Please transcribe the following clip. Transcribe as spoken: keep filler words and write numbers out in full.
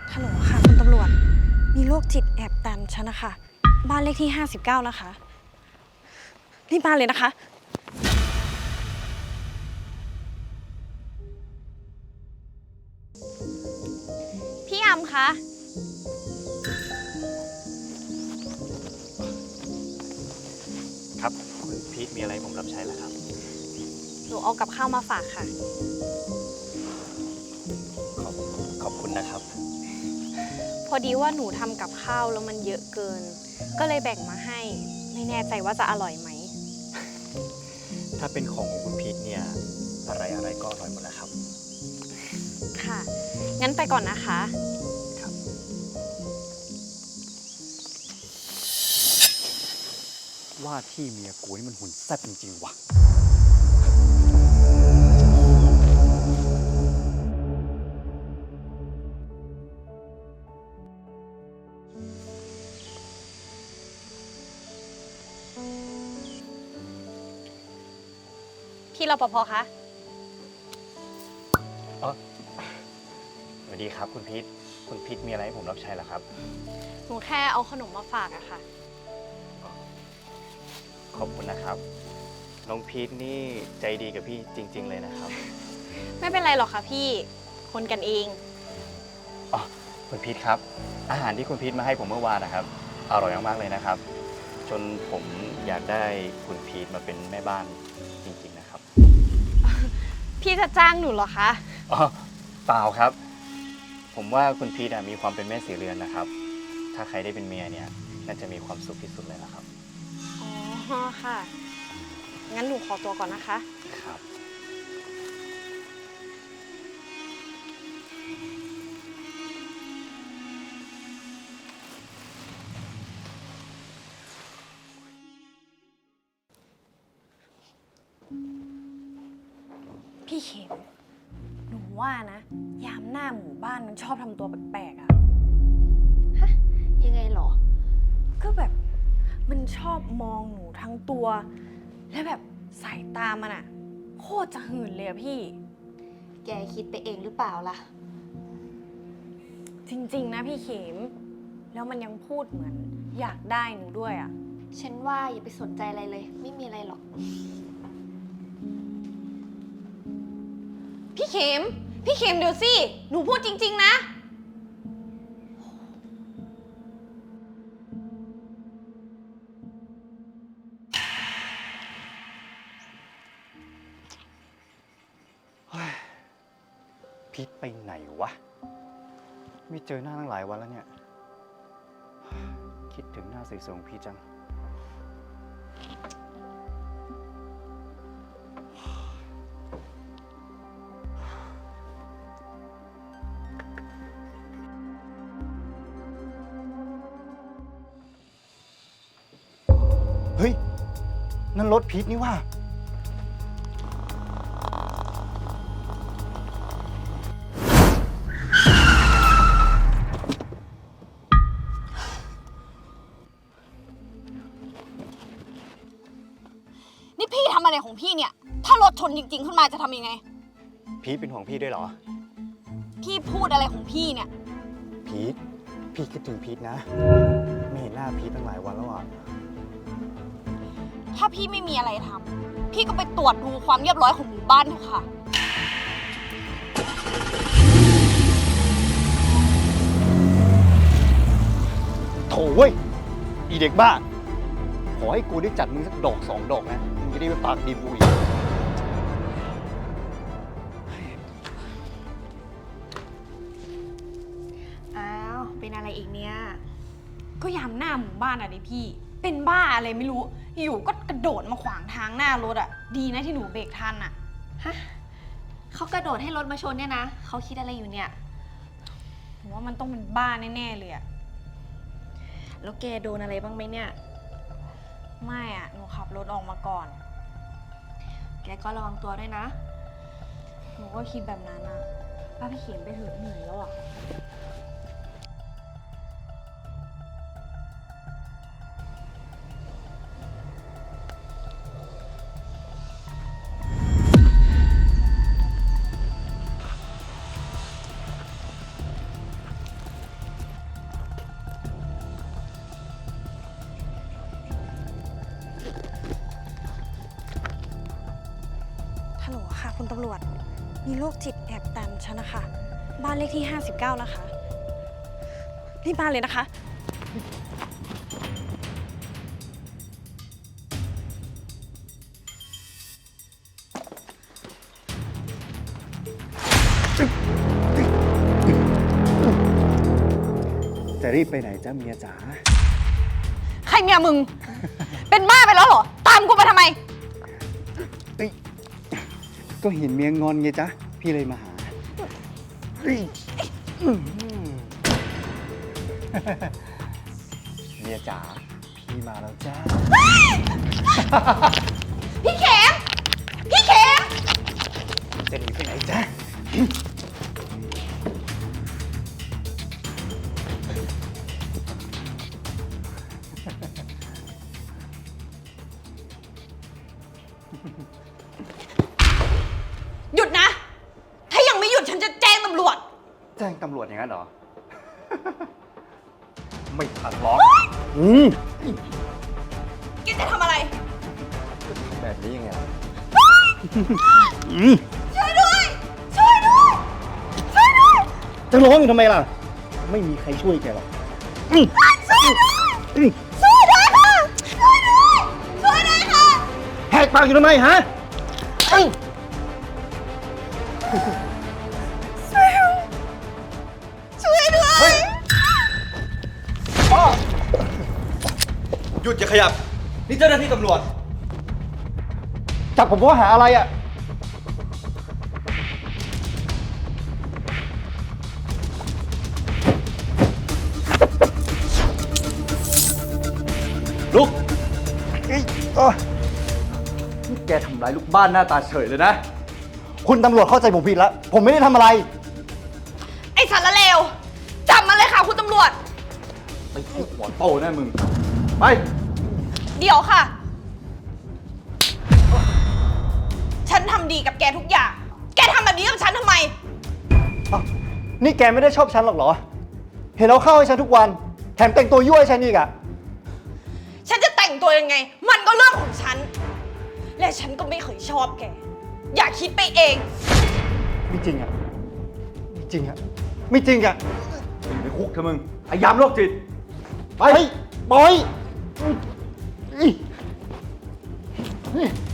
ฮัลโหลค่ะคุณตำรวจมีโรคจิตแอบดันฉันนะคะบ้านเลขที่ห้าสิบเก้านะคะรีบมาเลยนะคะพี่อำคะครับคุณพีทมีอะไรผมรับใช้ล่ะครับหนูเอากับข้าวมาฝากค่ะขอบขอบคุณนะครับพอดีว่าหนูทำกับข้าวแล้วมันเยอะเกินก็เลยแบ่งมาให้ไม่แน่ใจว่าจะอร่อยไหมถ้าเป็นของของคุณพีทเนี่ยอะไรอะไรก็อร่อยหมดแล้วครับค่ะ งั้นไปก่อนนะคะครับว่าที่เมียกูนี่มันหุ่นแซ่บจริงๆว่ะพี่รปภคะอ๋อสวัสดีครับคุณพีทคุณพีทมีอะไรให้ผมรับใช้ล่ะครับหนูแค่เอาขนมมาฝากอะค่ะขอบคุณนะครับน้องพีทนี่ใจดีกับพี่จริง ๆเลยนะครับไม่เป็นไรหรอกค่ะพี่คนกันเองอ๋อคุณพีทครับอาหารที่คุณพีทมาให้ผมเมื่อวานนะครับอร่อยมากๆเลยนะครับจนผมอยากได้คุณพีทมาเป็นแม่บ้านจริงๆนะครับพี่จะจ้างหนูเหรอคะอ๋อเปล่าครับผมว่าคุณพีทมีความเป็นแม่สีเรือนนะครับถ้าใครได้เป็นเมียเนี่ยน่าจะมีความสุขที่สุดเลยนะครับอ๋อค่ะ งั้นหนูขอตัวก่อนนะคะครับพี่เข็มหนูว่านะ ยามหน้าหมู่บ้านมันชอบทำตัวแปลกๆอะฮะยังไงหรอก็แบบมันชอบมองหนูทั้งตัว และแบบสายตามันอะโคตรจะหื่นเลยอะพี่แกคิดไปเองหรือเปล่าล่ะจริงๆนะพี่เข็ม แล้วมันยังพูดเหมือนอยากได้หนูด้วยอะฉันว่าอย่าไปสนใจอะไรเลย ไม่มีอะไรหรอกพี่เข็ม พี่เข็มเดี๋ยวสิ หนูพูดจริงๆนะพีทไปไหนวะไม่เจอหน้าตั้งหลายวันแล้วเนี่ยคิดถึงหน้าสวยๆของพีทจังเฮ้ยนั่นรถพีทนี่ว่านี่พี่ทำอะไรของพี่เนี่ย ถ้ารถชนจริงๆขึ้นมาจะทำยังไงพีทเป็นห่วงพี่ด้วยเหรอพี่พูดอะไรของพี่เนี่ยพีทพี่คิดถึงพีทนะไม่เห็นหน้าพีทตั้งหลายวันแล้วอ่ะถ้าพี่ไม่มีอะไรทำ พี่ก็ไปตรวจดูความเรียบร้อยของหมู่บ้านเถอะค่ะโถ่เว้ยอีเด็กบ้า ขอให้กูได้จัดมึงสักดอกสองดอกนะ มึงจะได้ไปปากดีกูอีกอ้าว เป็นอะไรอีกเนี่ยก็ยามหน้าหมู่บ้านอะดิพี่ เป็นบ้าอะไรไม่รู้ อยู่ก็กระโดดมาขวางทางหน้ารถอะดีนะที่หนูเบรกทันอะฮะ เขากระโดดให้รถมาชนเนี่ยนะ เขาคิดอะไรอยู่เนี่ยผมว่ามันต้องเป็นบ้าแน่ๆเลยอะแล้วแกโดนอะไรบ้างไหมเนี่ยไม่อะหนูขับรถออกมาก่อนแกก็ระวังตัวด้วยนะหนูก็คิดแบบนั้นอะป้าพี่เขียนไปเถอะเหนื่อยแล้วอะำรวจ มีโรคจิตแอบตามฉันนะคะ บ้านเลขที่ ห้าสิบเก้า นะคะ รีบมาเลยนะคะจะรีบไปไหนจ้าเมียจ๋าใครเมียมึง เป็นบ้าไปแล้วเหรอ ตามกูมาทำไมเอ้ยก็เห็นเมียงอนไงจ๊ะ พี่เลยมาหาเฮ้ยอื้อหือเมียจ๋า พี่มาแล้วจ้าพี่เข็ม พี่เข็มจะหนีไปไหนจ๊ะหยุดนะ ถ้ายังไม่หยุดฉันจะแจ้งตำรวจแจ้งตำรวจอย่างนั้นเหรอ ไม่ทันหรอกอืมแกจะทำอะไรแบบนี้ยังไงล่ะช่วยด้วย ช่วยด้วย ช่วยด้วยจะร้องอยู่ทำไมล่ะ ไม่มีใครช่วยแกหรอกอืมช่วยด้วยอืมช่วยด้วยค่ะ ช่วยด้วย ช่วยด้วยค่ะแหกปากอยู่ทำไมฮะอืมช่วยด้วยหยุดอย่าขยับ นี่เจ้าหน้าที่ตำรวจจับผมว่าหาอะไรอ่ะลุกเอ้ยอ้อนี่แกทำร้ายลูกบ้านหน้าตาเฉยเลยนะคุณตำรวจเข้าใจผมผิดแล้ว ผมไม่ได้ทำอะไรไอ้สารเลวจับมาเลยค่ะคุณตำรวจไปทุบหัวโตแน่มึง ไปเดี๋ยวค่ะ ฉันทำดีกับแกทุกอย่าง แกทำแบบนี้กับฉันทำไมอ้าวนี่แกไม่ได้ชอบฉันหรอกเหรอ เห็นเอาเข้าให้ฉันทุกวัน แถมแต่งตัวยั่วให้ฉันอีกอะฉันจะแต่งตัวยังไง มันก็เรื่องของฉัน และฉันก็ไม่เคยชอบแก อย่าคิดไปเองไม่จริงอะไม่จริงอะไม่จริงอะอยู่ในคุกเถอะมึงไอ้ยามโรคจิตไปบอยอุ๊ยอุ๊ย